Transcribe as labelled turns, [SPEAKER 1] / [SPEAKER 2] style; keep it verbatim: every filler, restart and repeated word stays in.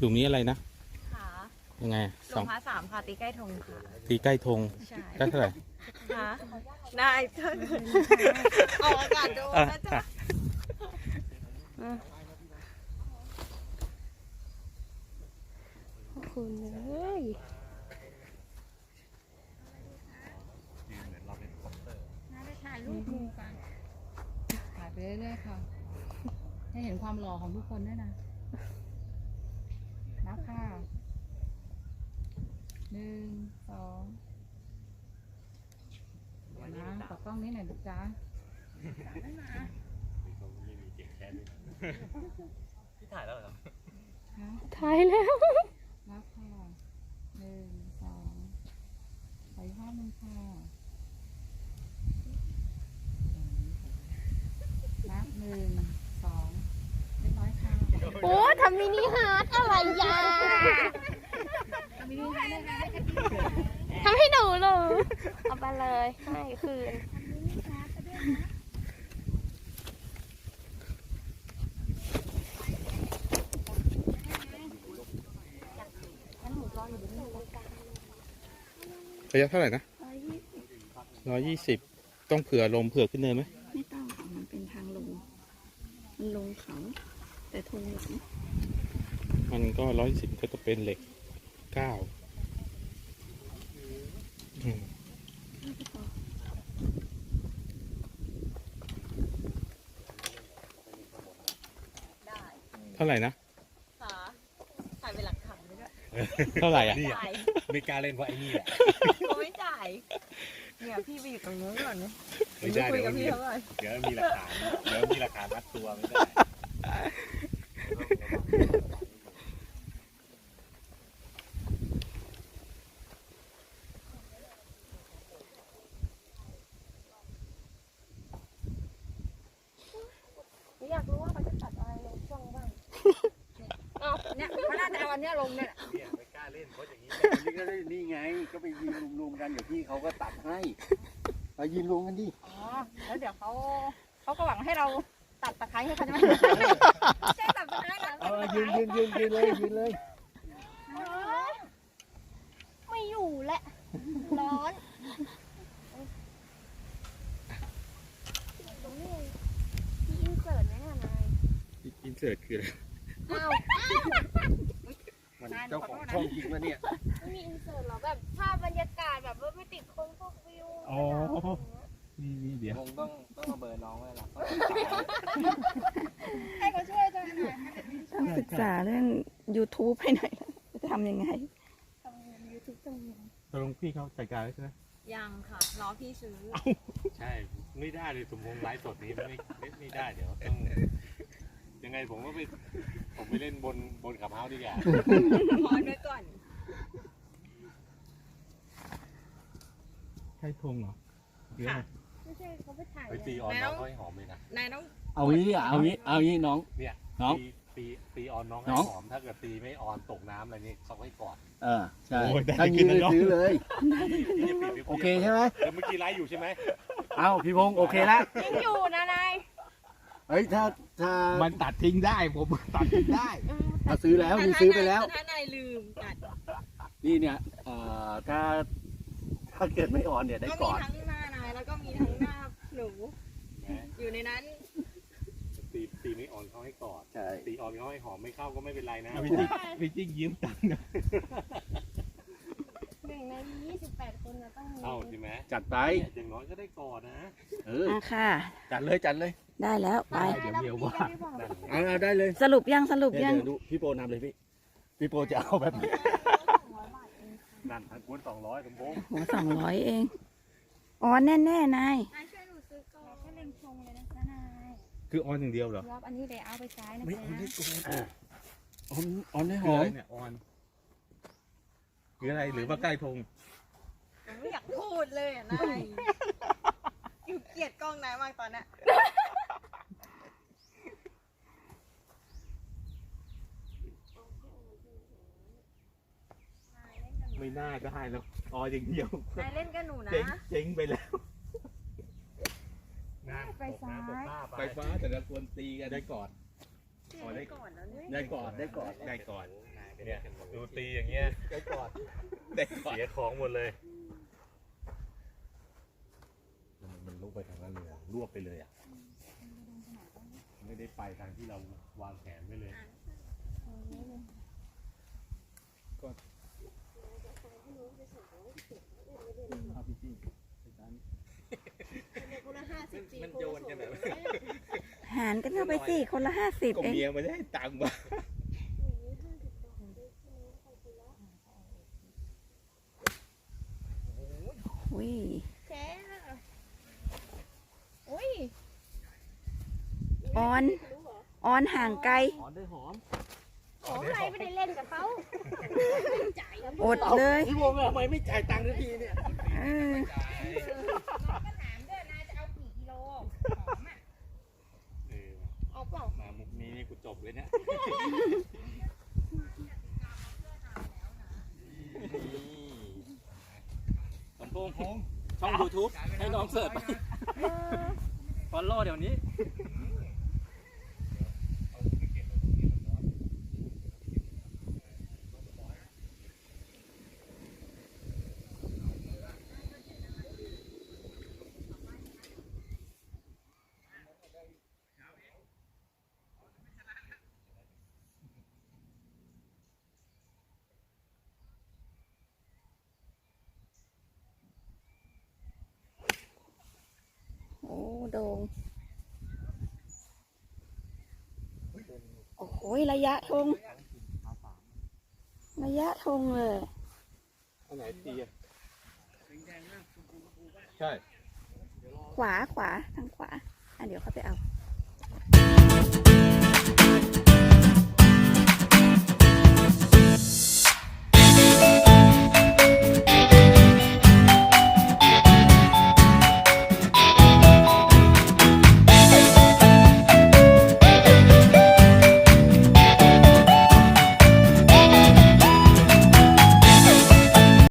[SPEAKER 1] หลุมนี้อะไรนะ
[SPEAKER 2] ค่ะ
[SPEAKER 1] ยังไง
[SPEAKER 2] หลวงพระสามค่ะตีใกล้ธงค่ะ
[SPEAKER 1] ตีใกล้ธง
[SPEAKER 2] ใช่
[SPEAKER 1] ได้เท่าไหร่
[SPEAKER 2] ค่ะได้เท่าออกอากาศดูนะจ๊ะ
[SPEAKER 3] คุณเลย
[SPEAKER 4] ถ่ายรูปมูกันถ่ายไปเรื่อยๆค่ะให้เห็นความหล่อของทุกคนด้วยนะนับค่ะหนึ่งสองนะตัดกล้องนี้หน่อยนะจ๊ะ
[SPEAKER 5] พี่ถ่ายแล้วเหรอ
[SPEAKER 3] ถ่ายแล้ว
[SPEAKER 4] นับค่ะหนึ่งสองไปภาพหนึ่งค่ะนับหนึ่งสองเรียบร้อยค่ะ
[SPEAKER 3] โอ้ทำมินิฮาร์ดอะไรยาทำให้หนูเลยเอาไปเลยให้คืน
[SPEAKER 1] ระยะเท่าไหร่นะร้อยยี่สิบต้องเผื่อลมเผื่อขึ้นเนินไหม
[SPEAKER 3] ไม่ต้องค่ะมันเป็นทางลงมันลงเขาแต่ทงหลัง
[SPEAKER 1] มันก็ร้อยสิบก็จะเป็นเหล็กเก้าเท่าไหร่นะ
[SPEAKER 2] ค่ะถ่ายเป็นหลักฐานด้วย
[SPEAKER 1] เท่าไหร่อ่ะ
[SPEAKER 5] ไม่กล้าเล่นเพราะไอ้นี่แหละ
[SPEAKER 2] เขาไม่จ่ายเนี่ยพี่ไปอยู่ตรงนู้นก่อนนะ
[SPEAKER 5] ไม่ได้
[SPEAKER 2] คุย
[SPEAKER 5] เดี๋ยว
[SPEAKER 2] กับพี่เขาก่อน
[SPEAKER 5] เดี๋ยวมีหลักฐานเดี๋ยวมีหลักฐานมัดตัวไม่ได้
[SPEAKER 3] อยากรู้ว่าเขาจะตัดอะไรลงช่องบ้าง
[SPEAKER 4] เนี่ยเขาน่าจะเอาอันนี้ลงเนี่ย
[SPEAKER 5] เนี่ยไม่กล้าเล่นเพราะอย่างนี้
[SPEAKER 6] นี่ก็ได้นี่ไงก็ไปยืนรวมๆกันเดี๋ยวพี่เขาก็ตัดให้เรายืนรวมกันดิ
[SPEAKER 4] อ๋อแล้วเดี๋ยวเขาเขาก็หวังให้เราตัดตะไคร้ให้เขาจะไม่ใช่ตัดตะไคร้นะ
[SPEAKER 6] เอายืนยืนยืนยืนเลยยืนเลย
[SPEAKER 3] ไม่อยู่แหละร้อนมีอินเสิร์ตไหมอะนาย
[SPEAKER 1] อินเสิร์ตคืออะไร
[SPEAKER 3] อ้าว
[SPEAKER 6] มันเจ้าของช่องจริงวะเนี่ย
[SPEAKER 3] ไม่มีอินเสิร์ตหรอแบบภาพบรรยากาศแบบว่าไม่ติดคนพวกวิว
[SPEAKER 1] อ๋อนี่นี่เดี๋ยว
[SPEAKER 6] คงต้องต้องเอาเบอร์น้องไว้ละ
[SPEAKER 4] ให้เขาช่วยจังหน่อย
[SPEAKER 3] ต้องศึกษาเรื่อง YouTube ให้หน่อยจะทำยังไง
[SPEAKER 1] ตกลงพี่เขาจัดการแล้วใช่ไหม
[SPEAKER 2] ยังค่ะรอพี่ซื้อ
[SPEAKER 5] ใช่ไม่ได้เลยสมพงษ์ไลฟ์สดนี้ไม่ไม่ไม่ได้เดี๋ยวต้องยังไงผมก็ไปผมไปเล่นบนบนขับเฮ้าส์ดีกว่า
[SPEAKER 2] พอนไว้ก่อน
[SPEAKER 1] ใช่ธงเหรอหรืออะไร
[SPEAKER 3] ไม่ใช่เขาไปถ่าย
[SPEAKER 5] ไปตีออนน้องเขาให้หอมเลยนะ
[SPEAKER 2] นายต้อง
[SPEAKER 6] เอางี้ดิเอางี้เอางี้น้อง
[SPEAKER 5] เนี่ย
[SPEAKER 6] น้อง
[SPEAKER 5] ตีตีตีออนน้องให้
[SPEAKER 6] น้อง
[SPEAKER 5] หอมถ้าเกิดตีไม่ออนตกน้ำอะไรนี่เขาให้กอด
[SPEAKER 6] เออใช่ถ้างี้เลยซื้อเลย
[SPEAKER 5] พี่พี่จะปิดหรื
[SPEAKER 6] โอเคใช่ไหม
[SPEAKER 5] แล้วเมื่อกี้ไลฟ์อยู่ใช่ไหม
[SPEAKER 6] เอาพี่พงศ์โอเคละ
[SPEAKER 3] ยังอยู่นะนาย
[SPEAKER 6] เฮ้ยถ้าถ้า
[SPEAKER 1] มันตัดทิ้งได้ผมตัดทิ้งได้
[SPEAKER 6] ถ้าซื้อแล้วนี่ซื้อไปแล้ว
[SPEAKER 2] ถ้านายลืมตัด
[SPEAKER 6] นี่เนี่ยเอ่อถ้าถ้าเกิดไม่ออนเนี่ยได้
[SPEAKER 2] ก็
[SPEAKER 6] ก่
[SPEAKER 2] มี
[SPEAKER 6] อน
[SPEAKER 2] ทั้งหน้านายแล้วก็มีทั้งหน้าหนูอยู่ในนั้น
[SPEAKER 5] ตีตีไม่ออนเขาให้กอด
[SPEAKER 6] ใช่
[SPEAKER 5] ตีออนเขาให้หอมไม่เข้าก็ไม่เป็นไรนะ
[SPEAKER 1] พี่จิ๊กพี่จิ๊กยืมตังค์นะ
[SPEAKER 3] หนึ่งในยี่สิบแปดคนเราต้องมี
[SPEAKER 5] เข้าใช่ไหม
[SPEAKER 6] จัดไป
[SPEAKER 5] อย่างน้อยก็ได้กอดนะ
[SPEAKER 6] เออ
[SPEAKER 3] อ่ะค่ะ
[SPEAKER 6] จัดเลยจัดเลย
[SPEAKER 3] ได้แล้วไป
[SPEAKER 1] เดี๋ยวเมียวว่า
[SPEAKER 6] เอาเอาได้เลย
[SPEAKER 3] สรุปยังสรุป
[SPEAKER 6] เดี๋ยว
[SPEAKER 3] ยัง
[SPEAKER 6] เดี๋ยวดูพี่โปรนำเลยพี่พี่โปรจะเอาแบบนี้
[SPEAKER 5] นั่นทันกวนสองร้อยสมพงษ์
[SPEAKER 3] โหสองร้อยเองอ๋อแน่แน่ๆนาย
[SPEAKER 4] นายช่วยหนูซื้อก่อนแค่เล็งชงเลยนะนาย
[SPEAKER 1] คือออนอย่างเดียวเหรอ
[SPEAKER 4] รอบอันนี้เดี๋ยวเอาไปใช้นะ
[SPEAKER 6] ไม่
[SPEAKER 4] จ๊ะ
[SPEAKER 6] ออนได้ก่อนออนออนได้ห
[SPEAKER 1] คือ
[SPEAKER 6] อ
[SPEAKER 1] อะไร
[SPEAKER 6] ม
[SPEAKER 1] เนี่ยออนคืออะไรหรือว่าใกล้ธง
[SPEAKER 2] ผมไม่อยากพูดเลยอ่ะนายอยู่เกลียดกล้องนายมากตอนเนี้ย
[SPEAKER 1] ไม่น่าได้แล้วออนอย่างเดียวน
[SPEAKER 2] ายเล่นกับหนูนะ
[SPEAKER 1] เจ๊งเจ๊งไปแล้ว
[SPEAKER 5] งานตกน้ำตกท่า
[SPEAKER 1] ไฟฟ้าแต่ละคนตีกันได้ก่อน
[SPEAKER 2] อ๋อได้ก่อนแล้วเนี่ย
[SPEAKER 1] ได้ก่อน
[SPEAKER 6] ได้ก่อน
[SPEAKER 1] ได้ก่อน
[SPEAKER 5] นายไปเนี่ยดูตีอย่างเงี้ย
[SPEAKER 6] ได้ก่อนได้ก่อน
[SPEAKER 5] เสียของหมดเลยมันมันลุกไปทางนั้นเลยรวบไปเลยอ่ะไม่ได้ไปทางที่เราวางแผนไว้เลย
[SPEAKER 6] มันโยนกันแบบ
[SPEAKER 2] หารกันเข้าไปสิคนละห้าสิบ
[SPEAKER 6] ก็
[SPEAKER 2] เอง
[SPEAKER 6] เมียไม่ได้ตังค์มา
[SPEAKER 2] อุ้ย
[SPEAKER 3] แกอุ้ย
[SPEAKER 2] ออน ออนห่างไกล
[SPEAKER 6] หอมได้หอม
[SPEAKER 3] โอ้ใครไม่ได้เล่นกับเขา
[SPEAKER 2] อดเลย
[SPEAKER 6] พี่วงทำไมไม่จ่ายตังค์ทันทีเนี่ย
[SPEAKER 2] เออ
[SPEAKER 5] เออ
[SPEAKER 3] เอาเปล่า
[SPEAKER 5] มามุกนี้นี่กูจบเลยเนี่ย
[SPEAKER 6] สมพงษ์ช่องยูทูบให้น้องเสิร์ชไปฟอลโล่เดี๋ยวนี้
[SPEAKER 2] โอ้โด่งโอ้โหระยะธงระยะธงเลย
[SPEAKER 6] อันไหนตีอ่ะ
[SPEAKER 5] ใช่
[SPEAKER 2] ขวาขวาทางขวาอ่ะเดี๋ยวเขาไปเอา
[SPEAKER 6] เ